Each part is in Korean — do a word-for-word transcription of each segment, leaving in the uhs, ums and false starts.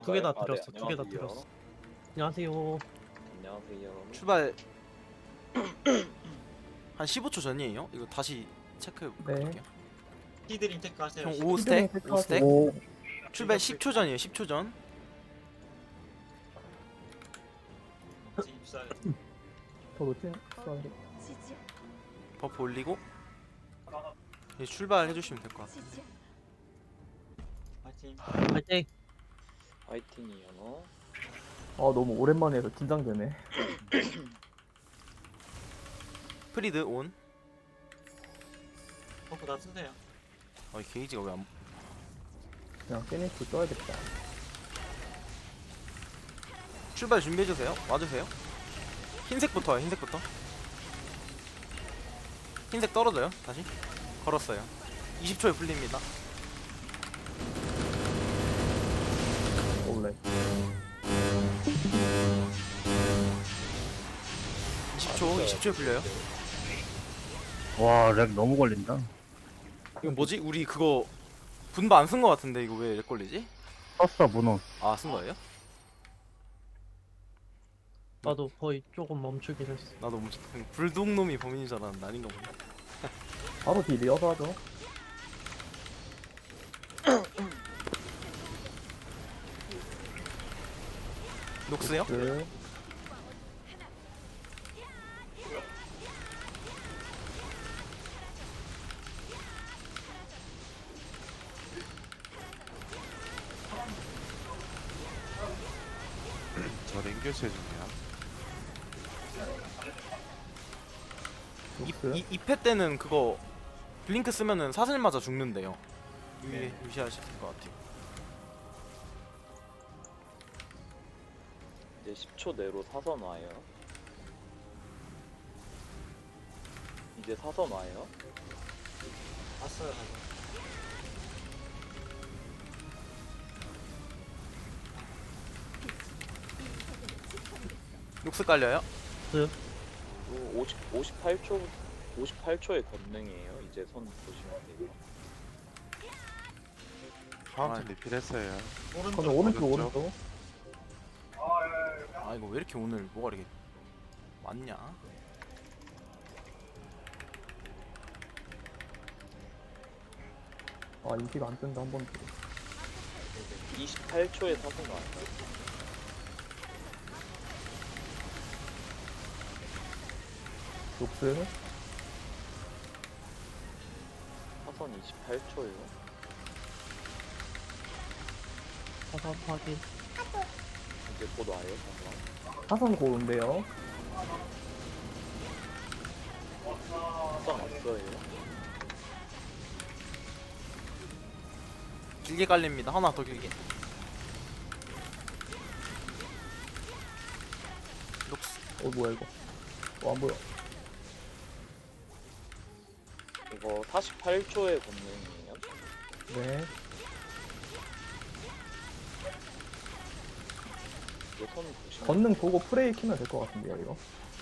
두 개 다 아, 네, 드렸어. 두 개 다 안녕하세요. 드렸어. 안녕하세요. 안녕하세요. 출발 한 십오 초 전이에요? 이거 다시 체크 네. 볼게요. 히드링 테크 하세요. 형 히드링. 오 스택? 오 스택? 오, 출발 십 초 전이에요. 십 초 전. 입사. 더 놓친 썰. 버프 올리고 이제 출발해 주시면 될 것 같아요. 파이팅. 파이팅. 화이팅이요. 아 너무 오랜만에 해서 긴장되네. 프리드 온. 버프 다 쓰세요. 아, 이 게이지가 왜 안... 그냥 피니시 써야겠다. 출발 준비해 주세요. 와주세요. 흰색부터요. 흰색부터. 흰색 떨어져요. 다시 걸었어요. 이십 초에 풀립니다. 원래 이십 초, 이십 초에 풀려요. 와, 렉 너무 걸린다. 이거 뭐지? 우리 그거 분바 안 쓴 거 같은데 이거 왜 렉 걸리지? 썼어, 문어. 아, 쓴 거예요? 나도 거의 조금 멈추긴 했어. 나도 뭐 불독놈이 범인인 줄 알았는데 아닌가 보네. 바로 딜 이어서 하죠. 녹스요? 그 저 랭교체 중이야. 녹스. 이, 이 패 때는 그거 블링크 쓰면은 사슬 맞아 죽는데요. 유의, 네. 유시하실 것 같아요. 이제 십 초 내로 사선 와요. 이제 사선 와요. 왔어요. 다시. 녹스 깔려요? 또 오십, 오십팔 초, 오십팔 초의 권능이에요. 이제 손 보시면 돼요. 파운틴 리필했어요. 그러면 오른쪽. 오른쪽 오른쪽. 오른쪽. 아 이거 왜 이렇게 오늘 뭐가 이렇게 많냐? 아 인기가 안 뜬다 한 번. 더. 이십팔 초에 사선 와요. 녹스. 사선 이십팔 초요. 사사 확인. 이제 곧 와요. 사선. 사선 고운데요. 사선 왔어요. 길게 깔립니다. 하나 더 길게. 녹스. 어 뭐야 이거. 어 안 보여. 이거 사십팔 초의 권능이에요. 네. 이제 손 보시면 걷는 보고 프레이 키면 될 것 같은데요 이거.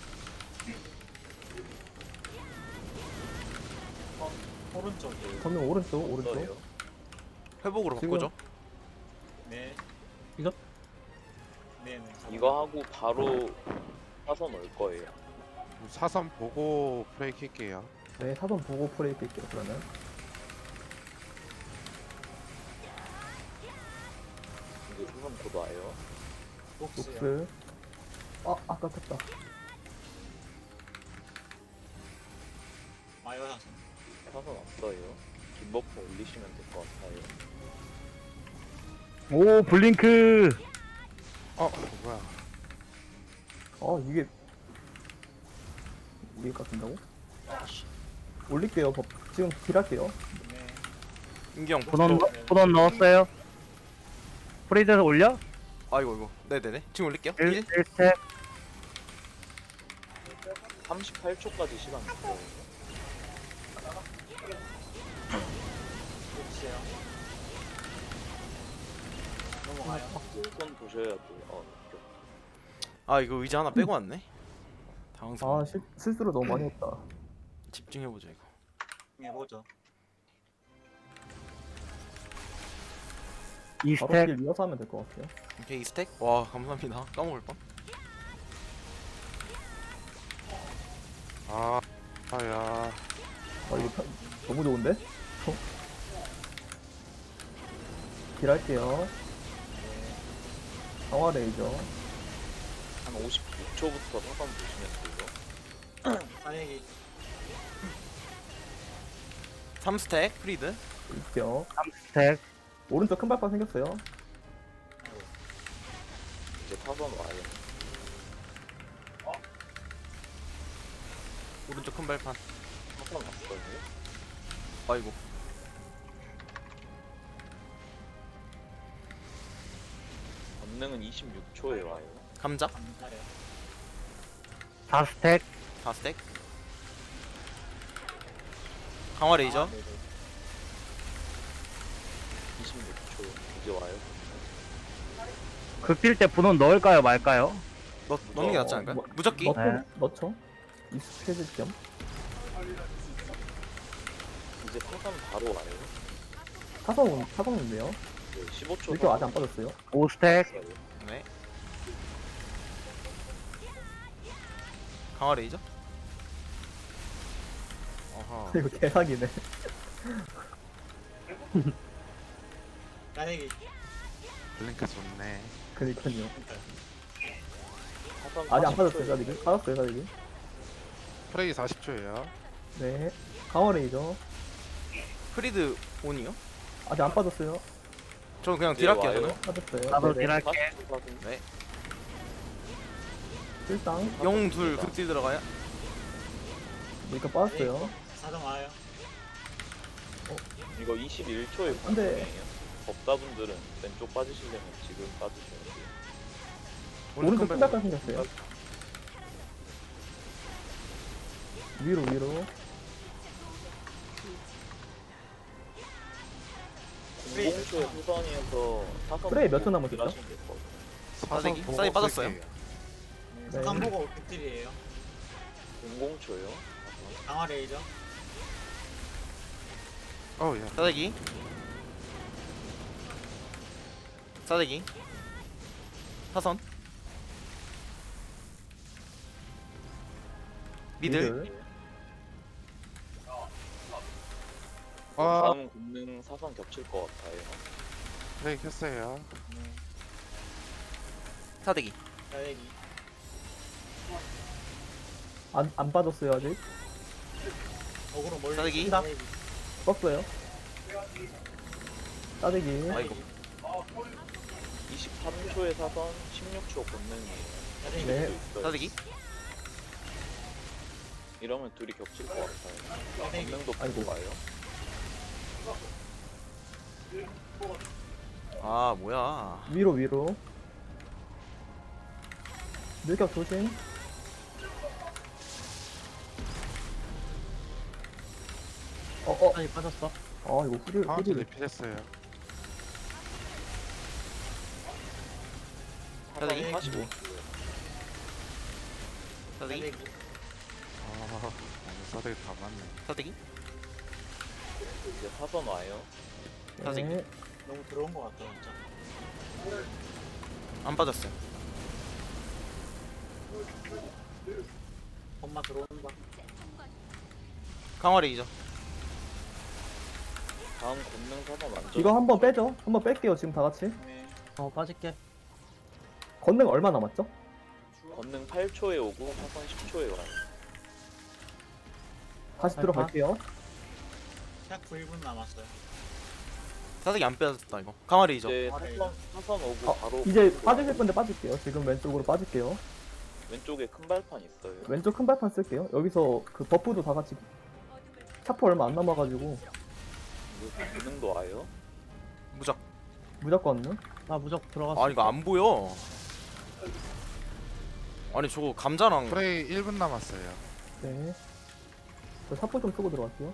오른쪽. 걷는 오른쪽 오른쪽. 있어요. 회복으로 지금- 바꾸죠. 네. 이거? 네네. 이거 하고 바로 사선 올 거예요. 사선 보고 프레이 킬게요. 네 사선 보고 프레이 킬게요 그러면. 이제 사선 곧 와요. 녹스요. 녹스. 아 아까 켰다. 와요 사선. 사선 왔어요. 긴 버프 올리시면 될 것 같아요. 오, 블링크! 어, 뭐야? 아 이게 이게 깎인다고? 올릴게요. 법 지금 딜할게요. 네. 인경 분원, 또. 분원 넣었어요. 프리드에서 올려? 아이고 이거. 네네네. 지금 올릴게요. 일, 일. 일 스택. 삼십팔 초까지 시간 있어요. 녹스요. 넘어가요. 손 보셔야 돼요. 어, 이렇게. 아 이거 의자 하나 빼고 왔네. 당황스러워. 아 실, 실수를 너무 많이 했다. 집중해보자 이거. 해보죠. 이 바로 스택. 길 이어서 하면 될 것 같아요. 오케이 이 스택. 와 감사합니다. 까먹을 뻔. 아, 아야. 아 이거 편- 너무 좋은데? 어? 길 할게요. 강화 레이저. 한 오십육 초부터 사선 보시면 돼요. 사내기. 삼 스택 프리드. 입격. 삼 스택. 오른쪽 큰 발판 생겼어요. 이제 사선 와요. 오른쪽 큰 발판. 사선 왔어요. 아이고. 권능은 이십육 초에 와요. 감자. 감사해요. 사 스택. 사 스택. 강화 레이저. 아, 네네. 이십육 초 이제 와요. 극딜 때 분원 넣을까요 말까요? 넣 넣는 게 낫지 않을까요? 뭐- 무적기. 넣죠? 네. 넣죠? 익숙해질 겸. 이제 사선 바로 와요. 사선, 사선 온대요. 네, 십오 초. 이렇게 아직 안 빠졌어요. 오 스택. 네. 강화 레이저. 어허. 이거 개사기네. 사내기. 블링크 좋네. 그니까요. 사선 아직 안 사십 빠졌어요, 초에 사직이. 빠졌어요, 사직이. 프레이 사십 초예요. 네. 강화 레이저. 프리드 온이요? 아직 안 빠졌어요. 저는 그냥 이제 딜할게요 와요. 저는. 빠졌어요. 나도 네네. 딜할게. 사십 초 사선. 네. 일당. 영 둘 극딜 들어가요. 이거 빠졌어요. 사정 와요. 이거 이십일 초에 안 돼. 권능이에요. 법사분들은 왼쪽 빠지시려면 지금 빠지셔야 돼요. 오른쪽 큰 큰 발판 생겼어요. 위로, 위로. 공공초에 후선이어서 사선 프레이 몇초 보고 남았었죠? 딜하시면 될것 같아요. 사선 싸대기? 보고 싸대기 빠졌어요? 쓸게요. 네. 네. 사선 보고 극딜이에요. 공공초요. 강화 레이저. 어우 야. 싸대기. 싸대기. 사선. 미들. 아, 다음 공능 사선 겹칠 것 같아요. 프레이 켰어요. 네. 사대기. 사내기. 안, 안 빠졌어요, 아직. 어그로 몰리. 사내기. 떴어요. 따대기. 아이고. 이십삼 초에 사선, 십육 초 권능이에요. 사내기. 네. 있어요. 싸대기. 이러면 둘이 겹칠 것 같아요. 사내기. 권능도 아이고. 보고 와요. 아 뭐야. 위로, 위로. 밀격 조심. 어, 어. 아니 빠졌어. 아, 이거 후리, 카운트 후리를. 리필했어요. 사대기? 사선 사십오. 싸대기. 사내기. 아, 오늘 싸대기 다 맞네. 싸대기. 이제 사선 와요. 사대기. 네. 너무 들어온 것 같다 진짜. 안 빠졌어요. 엄마 들어온다. 강화 레이저. 다음 권능 사선 완전. 이거 한번 빼죠. 한번 뺄게요, 지금 다 같이. 네. 어 빠질게. 건능 얼마 남았죠? 권능 팔 초에 오고 사선 십 초에 와요. 다시 발판. 들어갈게요. 약 일 분 남았어요. 싸대기 안 빠졌다 이거. 강화 레이저. 이제 아, 네. 사선, 사선 오고 어, 바로 이제 권능 빠지실 와요. 건데 빠질게요. 지금 왼쪽으로 빠질게요. 왼쪽에 큰 발판 있어요. 왼쪽 큰 발판 쓸게요. 여기서 그 버프도 다 같이 차포 얼마 안 남아가지고 이거 권능도 와요. 무적. 무조건 는 나 무적 들어갔어. 아니 이거 안 보여. 아니 저거 감자랑 프레이 일 분 남았어요. 네. 저 차포 좀 쓰고 들어갈게요.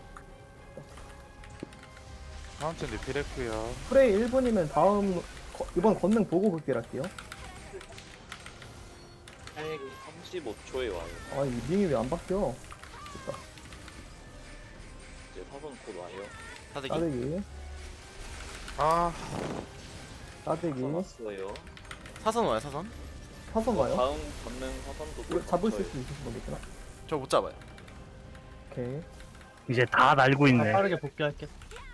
카운트 리필했고요. 프레이 일 분이면 다음 거- 이번 건능 보고 극딜할게요. 사내기. 삼십오 초에 와요. 아, 이 링이 왜 안 바뀌어? 됐다. 이제 사선 곧 와요. 싸대기. 따대기. 아, 따대기. 써놨어요. 사선 와요 사선. 사선 가요? 다음 권능 사선도 이거 잡을 수 저희 있으신 거겠구나. 저 못 잡아요. 오케이. 이제 다 날고 나 있네. 빠르게 복귀할게.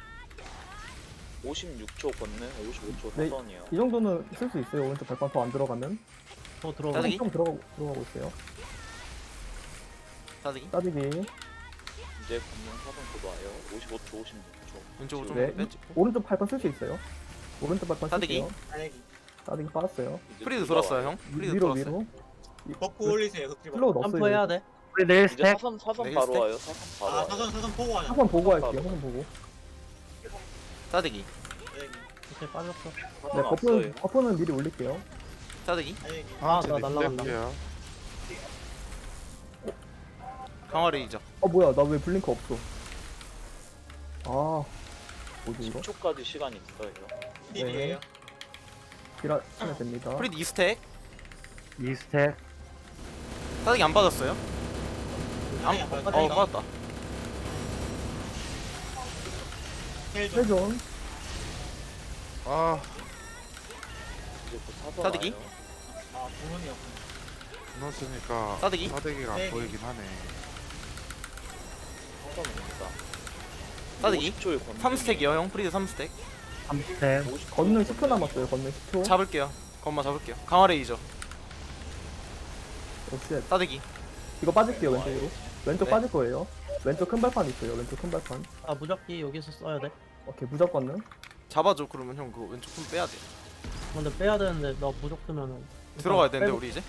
오십육 초 권능, 오십오 초 네. 사선이요. 이 정도는 쓸 수 있어요. 오른쪽 발판 더 안 들어가면. 더 들어가. 따뜻히? 좀 들어가고 들어가고 있어요. 따대기. 따대기. 이제 권능 사선 곧 와요. 오십오 초, 오십육 초. 왼쪽으로 좀 네. 빼찍고. 오른쪽 발판 쓸 수 있어요. 오른쪽 발판 따대기? 쓸게요. 따대기. 따대기 빠졌어요. 이제 프리드 둘다 돌았어요 와요. 형. 프리드 위로 돌았어요. 위로. 버프 올리세요. 흑리버. 슬로우 넣었어요. 점프해야 돼. 우리 내일 이제 스택. 사선 사선 네, 바로 스택? 와요. 사선 바로 아 와요. 사선 사선 보고 가자. 사선 보고 할게요. 바로. 사선 보고. 따대기. 따대기. 이렇게 빠졌어. 네, 사선 버프는 왔어요. 버프는 미리 올릴게요. 따대기. 따대기. 아, 하은채님 나 날라간다. 피레크요. 강화 레이저. 어 뭐야? 나 왜 블링크 없어? 아, 뭐지 이거? 십 초까지 시간 있어요. 필이에요. 딜하 치면 됩니다. 프리드 이 스택. 이 스택. 따대기 안 빠졌어요. 안, 따대기 안 빠졌다. 어 빠졌다. 헬 좀. 회전. 아, 이제 곧 사선 따대기? 와요. 아 주문이었구나. 넣었으니까 따대기? 따대기가 안 따대기. 보이긴 하네. 사선 옵니다. 따대기? 오십 초에 권능. 삼 스택이요 형. 프리드 삼 스택. 삼 스택. 오십 초 걷는 십 초 남았어요. 걷는 십 초. 잡을게요. 건마 잡을게요. 강화 레이저. 오 쉣. 따대기. 이거 빠질게요 왼쪽으로. 왼쪽 네. 빠질 거예요. 왼쪽 큰 발판 있어요. 왼쪽 큰 발판. 아 무적기 여기서 써야 돼. 오케이 무조건은. 잡아줘. 그러면 형 그거 왼쪽 손 빼야 돼. 근데 빼야 되는데 너 무적 쓰면은 들어가야 일단 되는데 빼고- 우리 이제.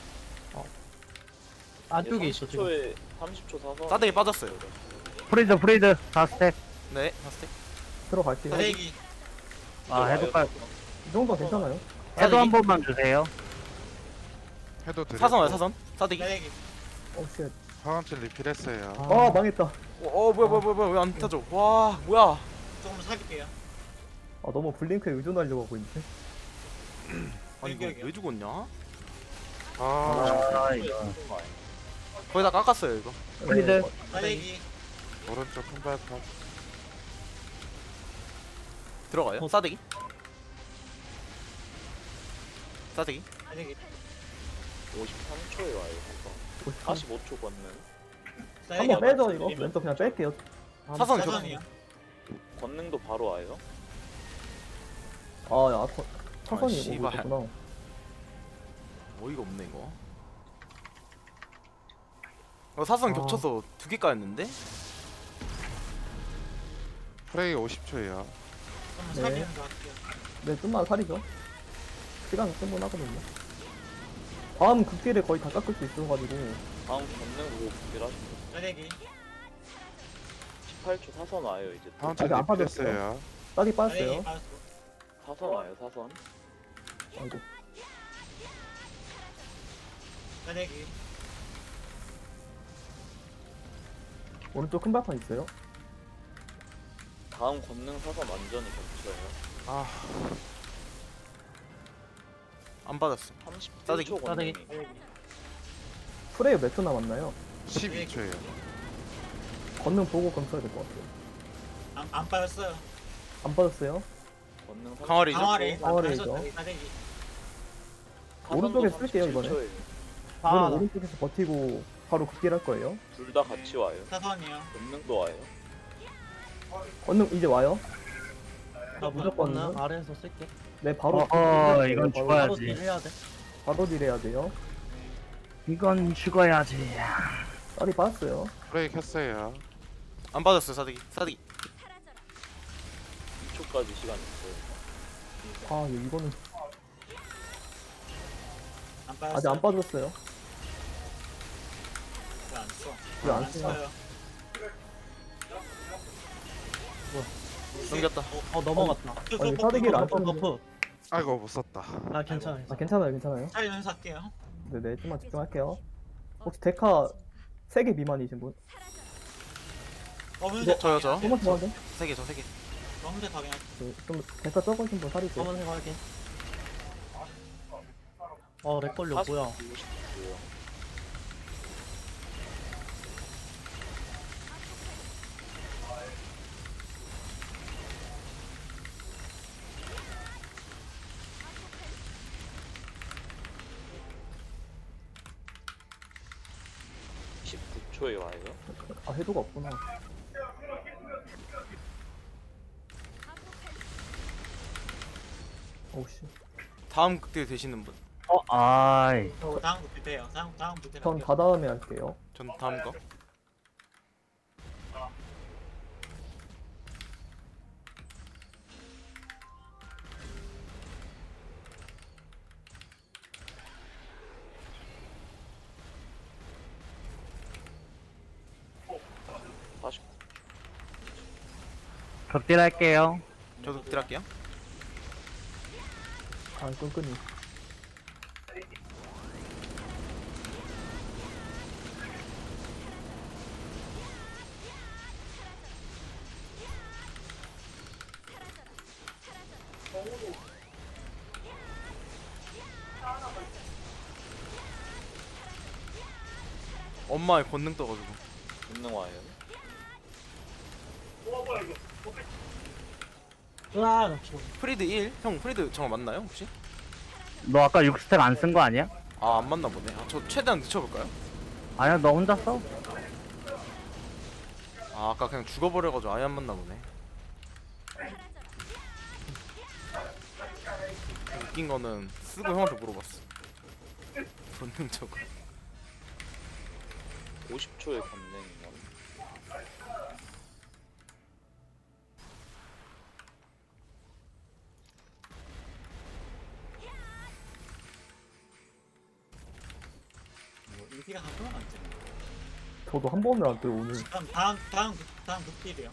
안쪽에 있어 삼십 지금. 초에 삼십 초 사선. 따대기 빠졌어요. 프리드 프리드 사 스택. 네. 사 스택. 들어갈게요. 따대기. 아 해도 깔. 이 정도 괜찮아요. 해도 한 번만 주세요. 해도 드렸고. 사선 와요 사선. 따대기. 따대기. 오 쉣. 하은채 리필했어요. 아 망했다. 어, 어 뭐야 뭐야 뭐야 뭐야 왜 안 타죠? 와 뭐야? 조금 사귈게요. 아 너무 블링크에 의존하려고 하고 있는데. 아니 이거 여기, 왜 죽었냐? 아, 아 이거. 거의 다 깎았어요 이거. 프리드. 네, 따대기. 오른쪽 큰 발판. 들어가요. 어. 싸대기. 싸대기. 따대기. 오십삼 초에 와요. 사선. 사십오 초 권능. 한번 빼죠 이거. 밀리면. 왼쪽 그냥 뺄게요. 아, 사선 사선이요. 권능도 바로 와요. 아야 차선이 오고 씨발. 있구나. 어이가 없네 이거. 어, 사선 아. 겹쳐서 두 개 까였는데? 프레이 오십 초예요. 한번 네. 사귀는 거 할게요. 네 좀만 살이죠. 시간 충분하거든요. 다음 극딜에 거의 다 깎을 수 있어가지고. 다음 권능으로 준비하시면 따대기. 십팔 초 사선 와요. 이제 또. 하은채 아직 안 빠졌어요. 리필했어요. 따기 따대기 빠졌어요. 빠졌어. 사선 와요. 사선. 아이고. 따대기. 오른쪽 큰 발판 있어요. 다음 권능 사선 완전히 겹쳐요. 아, 안 받았어. 삼십칠 따대기, 초 권능이. 따대기. 따대기. 프레이 몇 초 남았나요? 십이 초예요. 걷는 보고 그럼 써야 될 것 같아요. 안, 안 빠졌어요. 안 빠졌어요? 권능 강화레이저. 강화리. 강화레이저. 따대기. 오른쪽에 쓸게요, 이번에. 아, 이거는 나- 오른쪽에서 버티고 바로 극딜 할 거예요. 둘다 같이 와요. 사선이요. 권능도 와요. 걷는 이제 와요. 나 무조건 무조건은 아래에서 쓸게. 네 바로. 어허, 극딜 이건 바로- 바로 죽어야지. 딜 해야 돼. 바로 딜 해야 돼요. 이건 죽어야지. 빨리 빠졌어요. 프레이 켰어요. 안 받았어요 싸대기. 싸대기. 이 초까지 시간 있어요. 아 예, 이거는 안 빠졌어요. 아직 안 빠졌어요. 왜안 써? 왜 안 안 써요? 써요. 넘겼다. 어 넘어갔다. 아니, 사대기를 안 버프 썼는데. 버프. 아이고 못 썼다. 아 괜찮아. 아 괜찮아요, 괜찮아요. 차이는 살게요. 네네 좀만 집중할게요. 혹시 데카 세 개 미만이신 분? 검은색 저요 저. 조금만 더 하게. 세 개 저 세 개. 검은색 가면 네, 좀 데카 적으신 분 살이세요. 검은색 확인. 어 렉걸려 뭐야? 사십구 초요. 초에 와요. 아 해도가 없구나. 오씨. 다음 극딜 되시는 분? 어, 아이. 저 다음 부피해요. 다음 다음 부피 전 할게요. 다 다음에 할게요. 전 다음 거. 사십. 극딜 할게요. 저도 극딜 할게요. 아 끈끈이. 엄마의 권능 떠가지고. 권능 와요. 으아 나 죽어. 프리드 일? 형 프리드 정말 맞나요 혹시? 너 아까 육 스택 안 쓴 거 아니야? 아 안 맞나 보네. 아, 저 최대한 늦춰볼까요? 아니야, 너 혼자 써. 아 아까 그냥 죽어버려가지고 아예 안 맞나 보네. 웃긴 거는 쓰고 형한테 물어봤어. 본능적으로. 오십 초에 권능이면 뭐 인기가 한 번은 안 뜨네. 저도 한 번을 안 떠요 오늘. 그럼 다음 다음 극- 다음 극딜이요.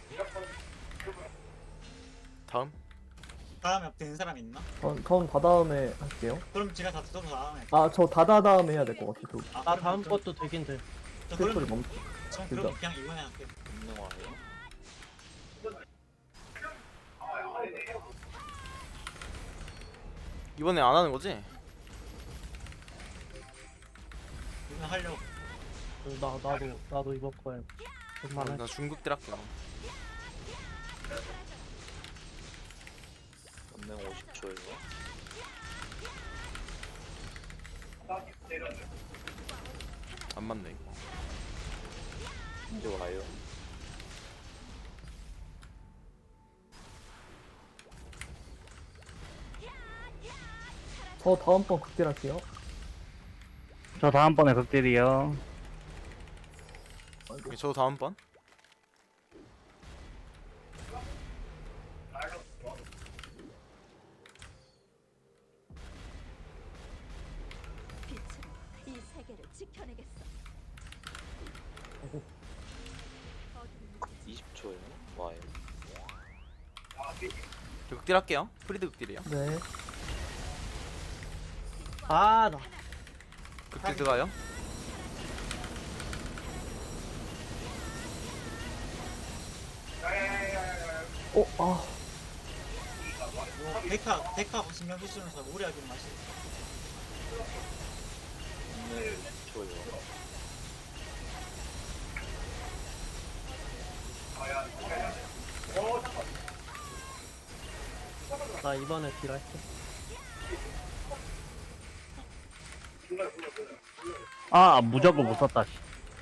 다음? 다음에 되는 사람 있나? 전 다 다음에 할게요. 그럼 제가 다 써서 다음에. 할게요. 아 저 다다 다음에 해야 될 것 같아. 저 아, 나 그럼 다음 저- 것도 되긴 돼. 저 스토리 그럼 멈춰. 전 그럼 그냥 이번에 할게요. 권능 와요. 이번에 안 하는 거지? 이번 하려고. 나 나도 나도 이번 거에 얼마나 나 중극딜 할게요. 권능 오십 초에요. 안 맞네 이거. 이제 와요. 저 다음번 극딜 할게요. 저 다음번에 극딜이요. 오케이, 저도 다음번. 빛으로 이 세계를 지켜내겠어. 이십 초에 와요. 저 극딜 할게요. 프리드 극딜이요. 네. 아 나. 극딜 들어가요. 어 아. 뭐 데카 데카 신경 쓰시면서 무리하게 마시. 권능 이십 초에요. 나 이번에 딜 할게. 아, 무적을 못 썼다. 씨.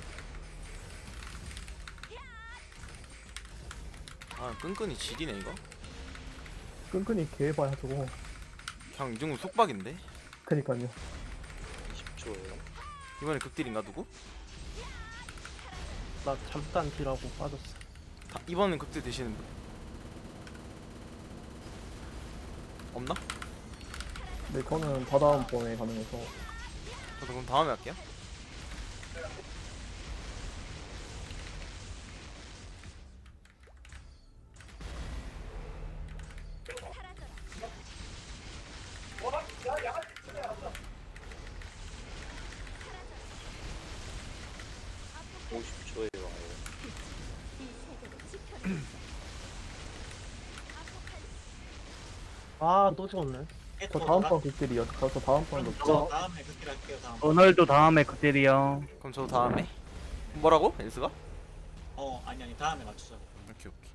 아 끈끈이 지리네 이거. 끈끈이 개해봐야 저거. 그냥 이 정도 속박인데. 그니까요. 이십 초에요. 이번에 극딜인가 누구? 나 잠깐 딜하고 빠졌어. 다, 이번엔 극딜 되시는 분 없나? 네 저는 다 다음번에 가능해서. 저도 그럼 다음에 할게요. 오십 초에 와요. 이 세계를 지켜내겠어. 아 또 죽었네. 저 다음번 극딜이요. 저, 저 다음번도. 저 다음에 극딜 할게요. 다음. 오늘도 다음에 극딜이요. 그럼 저도 다음에. 뭐라고? 엔스가? 어 아니 아니 다음에 맞추자. 오케이 오케이.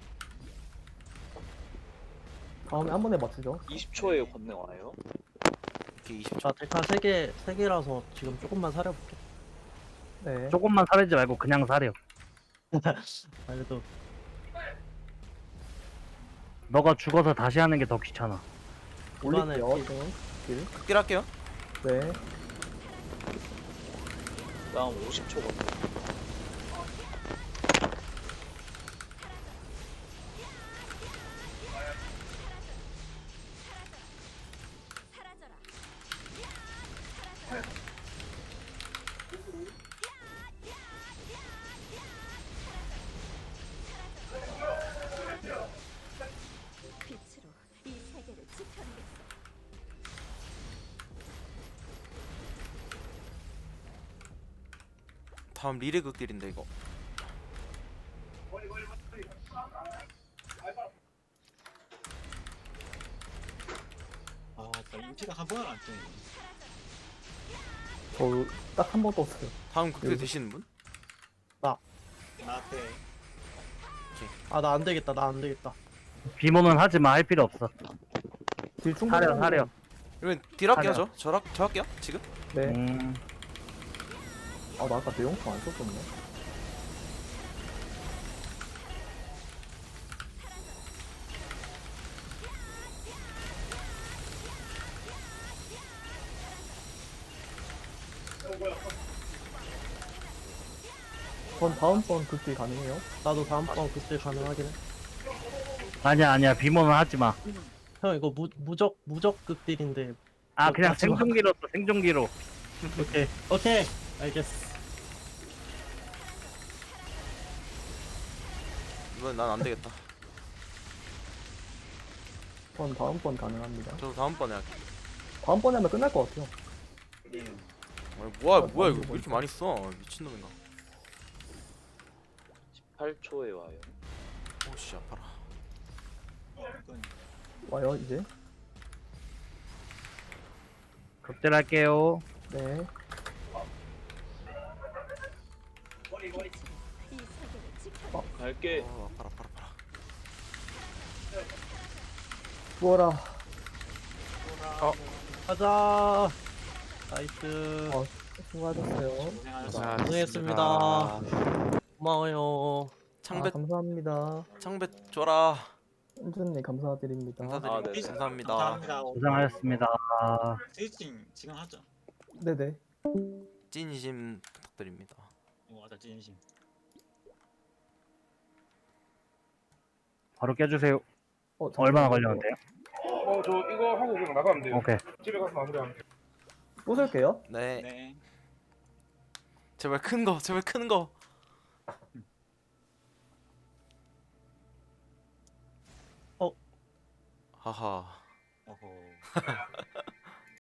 다음에 한 번에 맞추죠. 이십 초에 권능 와요. 오케이 이십 초. 나 데카 세 개 세 개라서 지금 조금만 사려볼게. 네. 조금만 사리지 말고 그냥 사려. 아, 그래도 너가 죽어서 다시 하는 게 더 귀찮아. 이번에 올릴게요. 피- 지금. 길. 극딜 할게요. 네. 다음 오십 초 걸려. 사라져라. 빛으로 이 세계를 지켜내겠어. 다음 리레 극딜인데 이거. 아, 나 인피가 한 번을 안 뜨네. 저딱 한 번 떴어요. 다음 극딜 여기. 되시는 분? 나한테 아, 나 안 되겠다. 나 안 되겠다. 비모는 하지 마. 할 필요 없어. 길 충분히. 사려, 사려. 이러면 딜 할게요 하려. 저. 저, 할- 저 할게요 지금. 네. 음, 아, 나 아까 대용품 안 썼었네. 전 다음번 극딜 가능해요? 나도 다음번 그때 가능하긴 해. 아니야, 아니야. 비모는 하지 마. 형 이거 무, 무적 무적 극딜인데. 아, 그냥 하지 마. 생존기로 써, 생존기로. 오케이 오케이 알겠어. 이건 난 안 되겠다. 전 다음번 가능합니다. 저도 다음번에 할게. 다음번에 하면 끝날 것 같아요. 네. 아니, 뭐야 뭐야 이거 왜 이렇게 많이 써? 미친놈인가? 십팔 초에 와요. 오씨 아파라. 이건 와요, 이제. 극딜할게요. 네. 이 세계를 지켜내겠어. 갈게. 어 아파라 아파라 아파라. 죽어라. 어 가자. 나이스. 어, 수고하셨어요. 고생하셨습니다. 고생했습니다. 고마워요. 아, 창배 감사합니다. 창배 줘라. 은준님 감사드립니다. 감사드립니다. 아, 네. 감사합니다. 감사합니다. 고생하셨습니다. 스위칭 지금 하죠. 네네. 찐심 부탁드립니다. 이거 맞아, 진심. 바로 깨주세요. 어, 얼마나 잠깐만요. 걸렸는데요? 어, 저 이거 하고 그냥 나가면 돼요. 오케이. 집에 가서 마무리하면 돼요. 부술게요. 네. 네. 제발 큰 거, 제발 큰 거. 어. 하하. 어허.